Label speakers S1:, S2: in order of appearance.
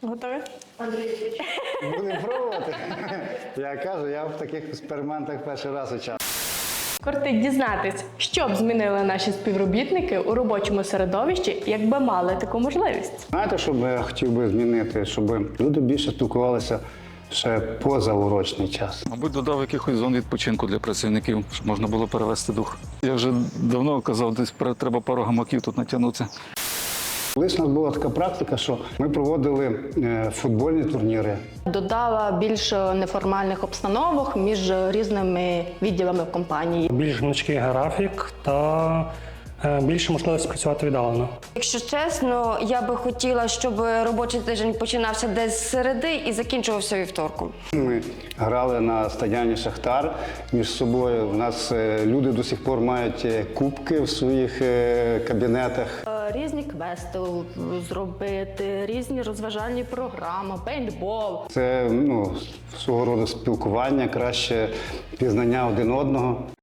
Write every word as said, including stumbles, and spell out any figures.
S1: Готові?
S2: Будемо пробувати. Я кажу, я в таких експериментах перший раз участвую.
S1: Кортить дізнатись, що б змінили наші співробітники у робочому середовищі, якби мали таку можливість.
S2: Знаєте, що би я хотів би змінити? Щоб люди більше спілкувалися ще поза урочний час.
S3: Мабуть, додав якихось зон відпочинку для працівників, щоб можна було перевести дух. Я вже давно казав, десь треба пару гамаків тут натягнутися.
S2: Колись у нас була така практика, що ми проводили е, футбольні турніри.
S1: Додала більш неформальних обстановок між різними відділами в компанії.
S4: Більш гнучкий графік та е, більше можливість працювати віддалено.
S5: Якщо чесно, я би хотіла, щоб робочий тиждень починався десь з середи і закінчувався вівторком.
S2: Ми грали на стадіоні «Шахтар» між собою. У нас е, люди до сих пор мають е, кубки в своїх е, кабінетах.
S1: Різні квести зробити, різні розважальні програми, пейнтбол.
S2: Це ну, свого роду спілкування, краще пізнання один одного.